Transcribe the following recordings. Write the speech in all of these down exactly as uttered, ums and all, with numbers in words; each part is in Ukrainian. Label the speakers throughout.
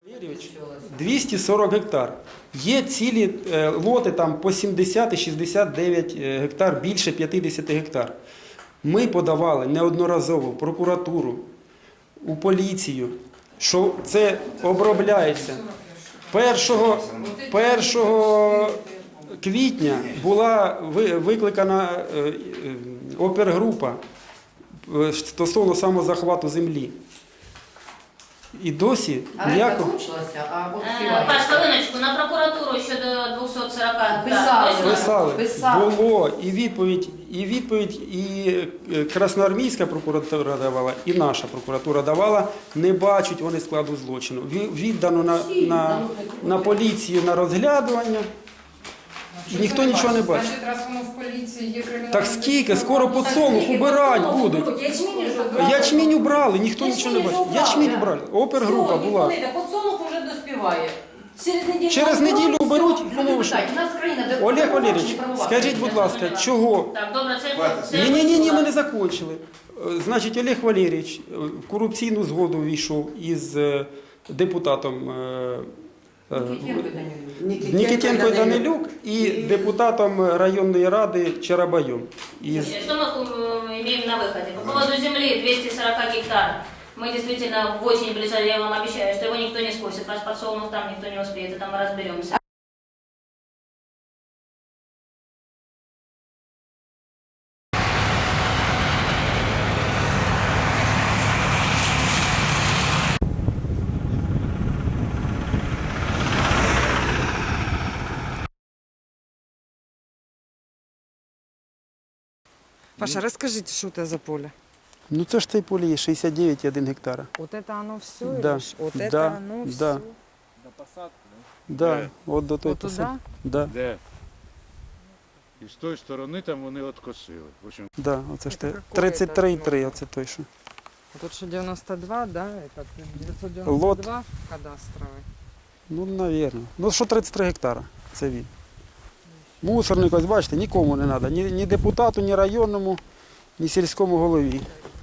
Speaker 1: двісті сорок гектар. Є цілі е, лоти там по сімдесят і шістдесят дев'ять гектар, більше п'ятдесят гектар. Ми подавали неодноразово в прокуратуру, у поліцію, що це обробляється. Першого, першого квітня була викликана опергрупа стосовно самозахвату землі. І досі
Speaker 2: а
Speaker 1: ніякого...
Speaker 3: Паш, хвилиночку, на прокуратуру щодо двохсот сорока
Speaker 2: Писали.
Speaker 1: Писали.
Speaker 2: Писали.
Speaker 1: Було і відповідь, і відповідь, і Красноармійська прокуратура давала, і наша прокуратура давала. Не бачать вони складу злочину. Віддано на, на, на поліцію на розглядування. І ніхто нічого не бачить.
Speaker 4: Значить, раз воно в поліції є кримінальне...
Speaker 1: Так скільки? Скоро подсолнух убирать будуть. Ячмінь убрали, ніхто нічого не бачить. Ячмінь убрали. Опергрупа була.
Speaker 2: Подсолнух вже доспіває. Через неділю,
Speaker 1: Через неділю уберуть. Олег Валерійович, скажіть, будь ласка, чого?
Speaker 3: Так, добре, це...
Speaker 1: Ні, ні, ні, ні, ми не закончили. Значить, Олег Валерійович в корупційну згоду війшов із депутатом Нікітенко Данилюк і депутатом районної ради Чарабайом.
Speaker 3: Із... Что мы имеем на выходе? По поводу земли двести сорок гектар. Мы действительно в очень ближайшее, я вам обещаю, что его никто не скосит. Ваш подсолнух там никто не успеет, и там мы разберемся.
Speaker 4: Паша, расскажите, что это за поле?
Speaker 1: Ну це ж цей поле є шістдесят дев'ять і один гектара.
Speaker 4: Вот это оно все?
Speaker 1: Да,
Speaker 4: Или вот
Speaker 1: да,
Speaker 4: это оно все?
Speaker 1: да.
Speaker 5: До посадки,
Speaker 1: Да,
Speaker 5: Де?
Speaker 1: от до той
Speaker 4: Вот туда?
Speaker 1: посадки. Да,
Speaker 5: Де? І з тої сторони там вони откосили. В общем,
Speaker 1: да, оце ж
Speaker 4: Це
Speaker 1: те.
Speaker 4: какой
Speaker 1: тридцять три і
Speaker 4: это,
Speaker 1: три,
Speaker 4: ну?
Speaker 1: оце той, що.
Speaker 4: А тут что, девяносто два, да? Это девятьсот девяносто два кадастровый.
Speaker 1: Ну, навірно. Ну, що тридцять три гектара, це він. Мусорник, ось бачите, нікому не треба. Ні, ні депутату, ні районному, ні сільському голові.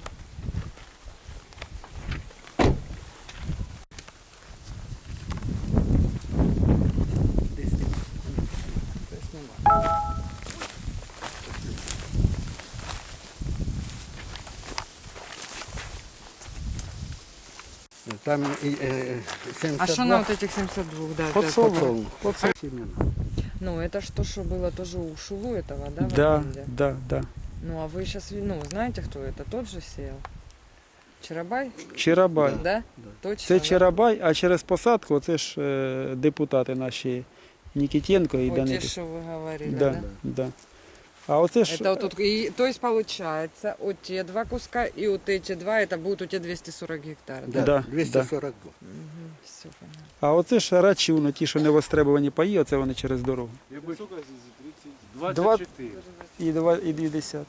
Speaker 6: Там е, е,
Speaker 4: А что на вот этих семьдесят два? Да, это-
Speaker 1: Подсолнух.
Speaker 4: Ну, это что, что было тоже у Шулу этого, да? в
Speaker 1: Да,
Speaker 4: аренде?
Speaker 1: да, да.
Speaker 4: Ну, а вы сейчас, ну, знаете, кто это? Тот же сеял? Чарабай?
Speaker 1: Чарабай.
Speaker 4: Да? Точно?
Speaker 1: Це
Speaker 4: да?
Speaker 1: Чарабай, а через посадку це ж е, депутати наші Нікітенко і
Speaker 4: Вот те,
Speaker 1: Данилюк.
Speaker 4: что вы говорили,
Speaker 1: Да,
Speaker 4: да?
Speaker 1: да. А оце ж
Speaker 4: Это вот тут, и, то есть получается, вот те два куска и вот эти два, это будут у тебя двести сорок гектар, да?
Speaker 1: Да,
Speaker 6: двісті сорок два.
Speaker 4: Угу, все понятно.
Speaker 1: а оце ж рачуно, ті, що не востребувані паї, оце вони через дорогу.
Speaker 5: двадцять чотири.
Speaker 1: І два і двадцять.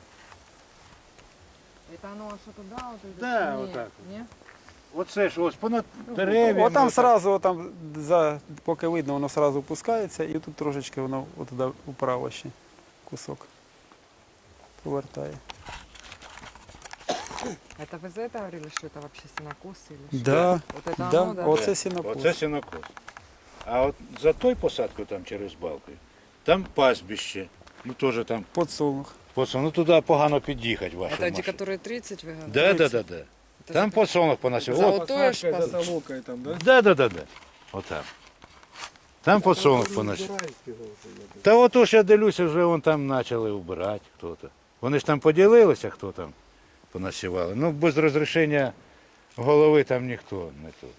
Speaker 4: Это оно что туда, вот это?
Speaker 5: Да,
Speaker 4: Не,
Speaker 5: вот так
Speaker 4: не?
Speaker 5: Оце ж ось понад дерев'ями.
Speaker 1: Отам
Speaker 5: отак.
Speaker 1: сразу, там, за, поки видно, воно сразу опускається, і тут трошечки воно отуди вправо ще кусок повертає.
Speaker 4: Это вы за это говорили, что это вообще сенокос или что?
Speaker 1: Да,
Speaker 4: Вот это
Speaker 1: да,
Speaker 4: оно, да?
Speaker 1: оце сінокос.
Speaker 5: Оце сінокос. А от за той посадкою там через балку, там пастбище. Ну теж там
Speaker 1: Подсолнух.
Speaker 5: подсолнух. Ну туди погано під'їхати вашу
Speaker 4: Это эти,
Speaker 5: машину.
Speaker 4: которые тридцать вы говорите?
Speaker 5: Да, да, да, да.
Speaker 4: Это
Speaker 5: Там
Speaker 4: за-
Speaker 5: подсолнух поносив.
Speaker 4: За
Speaker 5: От,
Speaker 4: вот то ж пас-
Speaker 7: Солокой там, да?
Speaker 5: да, да, да, да. Отам. Там подсолнух поносив. Та ото ж я дивлюся, вже вон там почали вбирати хто-то. Вони ж там поділилися, хто там понасівали. Ну, без розрішення голови там ніхто не тут.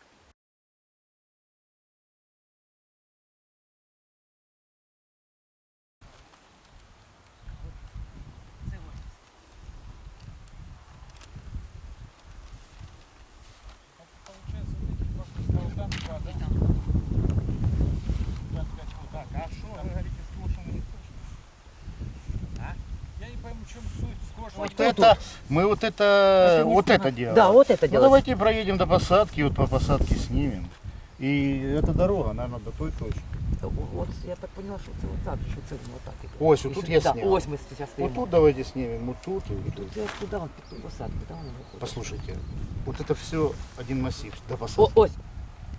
Speaker 5: Вот это, мы вот это, вот это делаем.
Speaker 2: Да, вот это
Speaker 5: Ну,
Speaker 2: делать.
Speaker 5: давайте проедем до посадки, вот по посадке снимем. И эта дорога, наверное, до той точки.
Speaker 2: От я так поняла, що це отак, що це воно так.
Speaker 5: Ось, отут я
Speaker 2: Да,
Speaker 5: снял.
Speaker 2: ось ми зараз
Speaker 5: Вот
Speaker 2: стоїмо.
Speaker 5: тут давайте снимем, вот тут и вот тут.
Speaker 2: Це туди, під ту посадку, да, воно виходить.
Speaker 5: Послушайте, вот это все один массив до
Speaker 2: О,
Speaker 5: посадки.
Speaker 2: ось.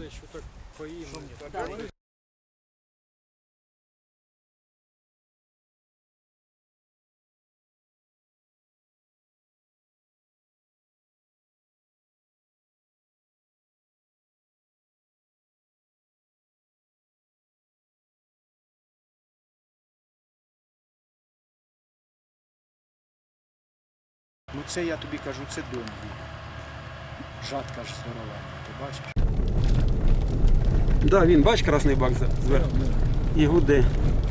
Speaker 7: що так по імені.
Speaker 8: Ну це я тобі кажу, це дом їх. Жатка ж здоровенна, ти бачиш?
Speaker 1: Да, він, бач, красний бак за- зверху. І гуде.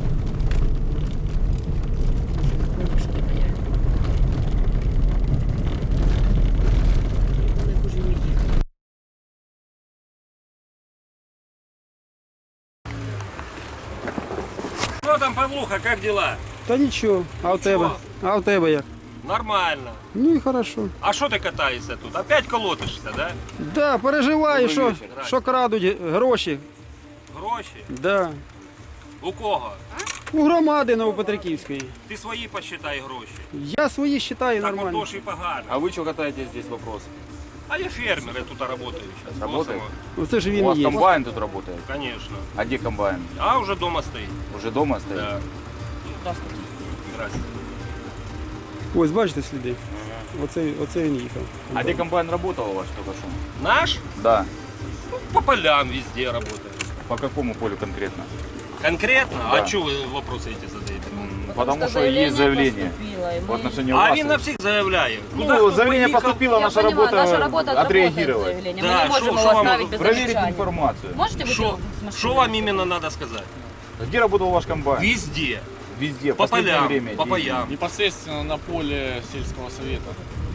Speaker 7: Що там, Павлуха, як дела?
Speaker 1: Та нічого, а у тебе? А у тебе як?
Speaker 7: Нормально.
Speaker 1: Ну і хорошо.
Speaker 7: А що ти катаєшся тут? Опять колотишся, да?
Speaker 1: Да, переживаю, що, що крадуть гроші.
Speaker 7: Гроші?
Speaker 1: Да.
Speaker 7: У кого?
Speaker 1: У громади Новопетриківської.
Speaker 7: Ти свої посчитай гроші.
Speaker 1: Я свої вважаю
Speaker 7: Так
Speaker 1: нормально.
Speaker 7: отож і погано.
Speaker 9: А вы что катаетесь здесь вопрос?
Speaker 7: А я фермер, я тут работаю сейчас.
Speaker 9: Работает?
Speaker 1: Оце ж
Speaker 9: У
Speaker 1: він
Speaker 9: вас
Speaker 1: є.
Speaker 9: комбайн тут работает?
Speaker 7: Конечно.
Speaker 9: А где комбайн?
Speaker 7: А уже дома стоит.
Speaker 9: Уже дома стоит?
Speaker 7: Да. Здравствуйте.
Speaker 1: Ось бачите сліди. Оце, оце він їхав.
Speaker 9: А где комбайн работал у вас только что?
Speaker 7: Наш?
Speaker 9: Да.
Speaker 7: Ну, по полям везде работает.
Speaker 9: По какому полю конкретно?
Speaker 7: Конкретно?
Speaker 9: Да.
Speaker 7: А что вы вопросы эти задаете?
Speaker 9: Потому что есть заявление в отношении
Speaker 7: А
Speaker 9: вас.
Speaker 7: він на всіх заявляє.
Speaker 9: Ну,
Speaker 7: Куда хто
Speaker 9: заявление
Speaker 7: поїхав?
Speaker 9: поступило, наша
Speaker 10: Я понимаю,
Speaker 9: работа,
Speaker 10: наша работа
Speaker 9: отреагировать.
Speaker 10: заявление.
Speaker 7: Да,
Speaker 10: Мы не
Speaker 7: шо-
Speaker 10: можем
Speaker 7: шо
Speaker 10: его
Speaker 7: вам
Speaker 10: оставить без
Speaker 9: Проверить
Speaker 10: замечания.
Speaker 9: информацию.
Speaker 10: Можете выйти
Speaker 7: Что,
Speaker 10: с машины?
Speaker 7: что вам именно надо сказать?
Speaker 9: Где работал ваш комбайн?
Speaker 7: Везде.
Speaker 9: Везде.
Speaker 7: По
Speaker 9: Последнее
Speaker 7: полям,
Speaker 9: время.
Speaker 7: по
Speaker 9: Где-
Speaker 7: паям. Непосредственно на поле сельского совета.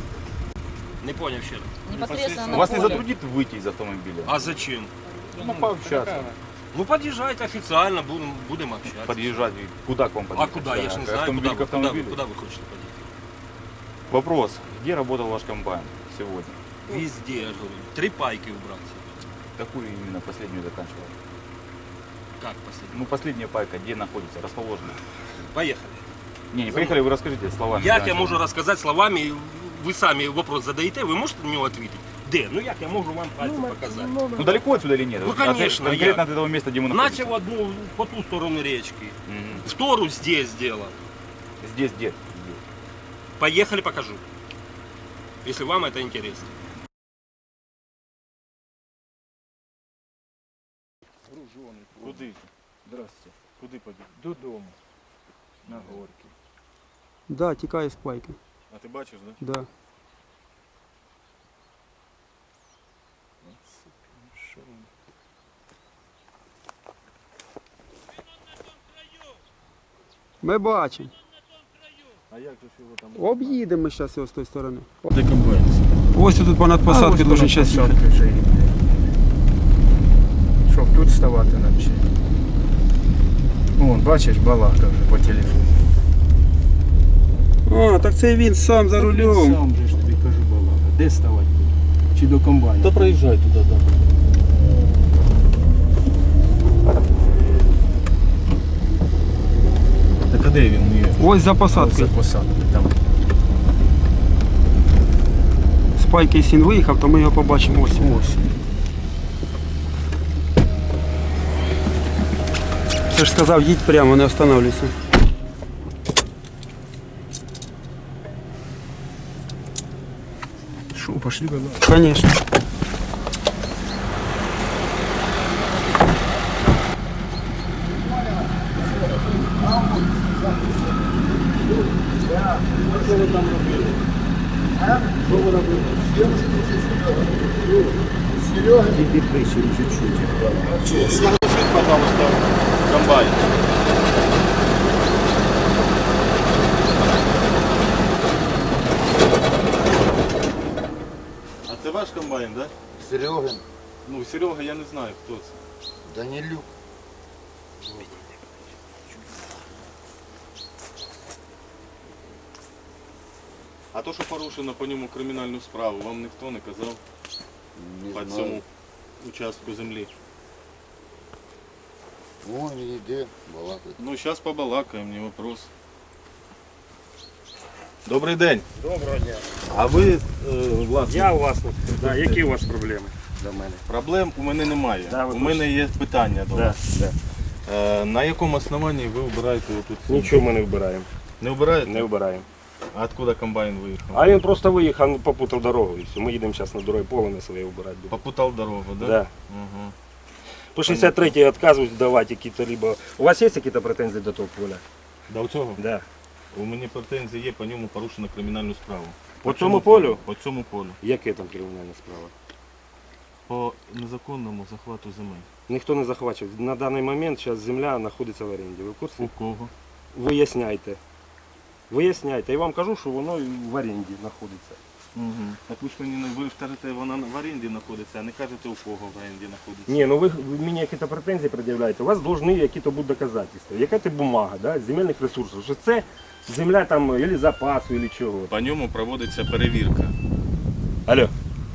Speaker 7: Не понял ще раз.
Speaker 10: Непосредственно на
Speaker 9: Вас не
Speaker 10: поле.
Speaker 9: затруднит выйти из автомобиля?
Speaker 7: А зачем?
Speaker 9: Ну, пообщаться.
Speaker 7: Ну подъезжайте официально, будем, будем общаться.
Speaker 9: Подъезжать. Куда к вам
Speaker 7: А
Speaker 9: подъехать?
Speaker 7: куда? Я ж не знаю,
Speaker 9: Автомобиль
Speaker 7: куда,
Speaker 9: к
Speaker 7: вы- куда, вы-
Speaker 9: автомобилю?
Speaker 7: куда вы хотите подъехать?
Speaker 9: Вопрос. Где работал ваш комбайн сегодня?
Speaker 7: Везде, я же говорю. Три пайки убраться.
Speaker 9: Какую именно последнюю заканчивал?
Speaker 7: Как последний?
Speaker 9: Ну, последняя пайка, где находится, расположена?
Speaker 7: Поехали.
Speaker 9: Не, не поехали, вы расскажите словами.
Speaker 7: Як
Speaker 9: да,
Speaker 7: я
Speaker 9: что-
Speaker 7: можу розказати словами, ви самі вопрос задаєте, ви можете на нього відповідати? Де? Ну як я можу вам пальцем показати?
Speaker 9: Ну, далеко отсюда или нет?
Speaker 7: Ну,
Speaker 9: Вот
Speaker 7: конечно,
Speaker 9: Конкретно
Speaker 7: я-
Speaker 9: от этого места, где мы находимся.
Speaker 7: Начав одну по ту сторону речки,
Speaker 9: Мгм.
Speaker 7: втору здесь сделал.
Speaker 9: Здесь, где? Здесь.
Speaker 7: Поехали, покажу. Если вам это интересно.
Speaker 8: Куди? Здравствуйте. Куди побіг? Додому. На горки.
Speaker 1: Да, тікає з пайки.
Speaker 8: А ти бачиш, да?
Speaker 1: Да.
Speaker 8: Що ви?
Speaker 1: Ми бачимо.
Speaker 8: А як же ж його там?
Speaker 1: Об'їдемо зараз його з тої сторони.
Speaker 8: Де комбайн?
Speaker 1: Ось тут понад посадки дуже зараз їхати.
Speaker 8: посадки вже їде. Щоб тут ставати нам ще. Вон, бачиш, балака вже по телефону.
Speaker 1: А, так це він сам за рулем.
Speaker 8: Сам же ж тобі кажу, балака. Де ставати буде? Чи до комбайну?
Speaker 7: Та проїжджай туди, да.
Speaker 8: Так а де він є?
Speaker 1: Ось за посадкою.
Speaker 8: За посадкою там.
Speaker 1: З пайки якщо він виїхав, то ми його побачимо ось.
Speaker 8: Ось.
Speaker 1: Це ж сказав, їдь прямо, не останавливайся.
Speaker 8: Що, пошли балака?
Speaker 1: Конечно.
Speaker 8: Іди прийшли чуть-чуть.
Speaker 7: Пожалуйста, комбайн.
Speaker 11: А це ваш комбайн, так?
Speaker 6: Серегин,
Speaker 11: Ну, Серега, я не знаю, хто це.
Speaker 6: Данилюк.
Speaker 11: А то, що порушено по ньому кримінальну справу, вам ніхто не казав
Speaker 6: Не
Speaker 11: по
Speaker 6: знаю.
Speaker 11: цьому участку землі.
Speaker 6: Вон йде, балакає.
Speaker 11: Ну, зараз побалакаємо, не вопрос. Добрий день.
Speaker 7: Доброго дня.
Speaker 11: А ви, е, власне,
Speaker 7: Я у вас тут. Да, які у вас проблеми? за мене.
Speaker 11: Проблем у мене немає.
Speaker 7: Да, ви
Speaker 11: у мене є питання до
Speaker 7: Да,
Speaker 11: вас.
Speaker 7: да.
Speaker 11: Е, на якому основанні ви вбираєте отут?
Speaker 7: Нічого ми не вбираємо.
Speaker 11: Не вбираєте?
Speaker 7: Не вбираємо.
Speaker 11: А откуда комбайн виїхав?
Speaker 7: А він просто виїхав, попутав дорогу і все. Ми їдемо зараз на дорогі поле на своє вбирати.
Speaker 11: Попутав дорогу, да?
Speaker 7: Да.
Speaker 11: Угу.
Speaker 7: По шістдесят третій відказують давати якісь либо. У вас є якісь претензії до того поля?
Speaker 11: До цього?
Speaker 7: Да.
Speaker 11: У мене претензії є, по ньому порушено кримінальну справу.
Speaker 7: По цьому полю?
Speaker 11: По цьому полю.
Speaker 7: Яке там кримінальна справа?
Speaker 11: По незаконному захвату земель.
Speaker 7: Ніхто не захвачив. На даний момент зараз земля знаходиться в оренді. Ви в курсі?
Speaker 11: У кого?
Speaker 7: Виясняйте. Виясняйте. Я вам кажу, що воно в оренді знаходиться.
Speaker 11: Угу. Так ви ж мені не ви ж кажете, вона в оренді знаходиться, а не кажете, у кого в оренді знаходиться.
Speaker 7: Ні, ну ви, ви мені якісь претензії пред'являєте, у вас повинні якісь будуть доказательства. Яка це бумага, да, з земельних ресурсів, що це земля там, або запасу, або чого.
Speaker 11: По ньому проводиться перевірка.
Speaker 7: Алло.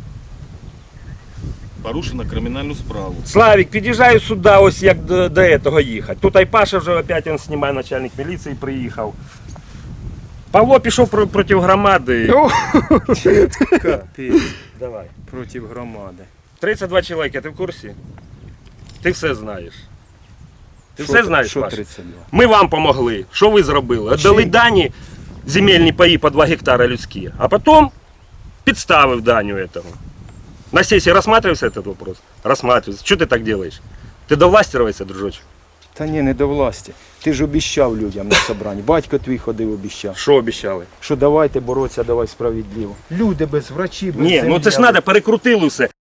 Speaker 11: Порушено кримінальну справу.
Speaker 7: Славік, під'їжджаю сюди, ось як до, до цього їхати. Тут Айпаша вже опять він знімає, начальник міліції приїхав. Павло пішов про, проти громади.
Speaker 8: Капець.
Speaker 7: Давай.
Speaker 8: Проти громади.
Speaker 7: тридцять два чоловіка, ти в курсі? Ти все знаєш. Ти
Speaker 8: Що
Speaker 7: все
Speaker 8: ти-
Speaker 7: знаєш,
Speaker 8: що
Speaker 7: Паш?
Speaker 8: тридцять два?
Speaker 7: Ми вам помогли. Що ви зробили? Отдали дані, земельні паї по два гектара людські, а потім підставив даню этого. На сессии рассматривался этот вопрос? Рассматривается. Что ты так делаешь? Ты довластировайся, дружочек.
Speaker 8: Та ні, не до власті. Ти ж обіщав людям на собранні. Батько твій ходив, обіщав.
Speaker 7: Що обіцяли?
Speaker 8: Що давайте боротися, давай справедливо. Люди без врачів, без
Speaker 7: Ні, ну
Speaker 8: землі,
Speaker 7: це ж
Speaker 8: а
Speaker 7: треба, перекрутили все.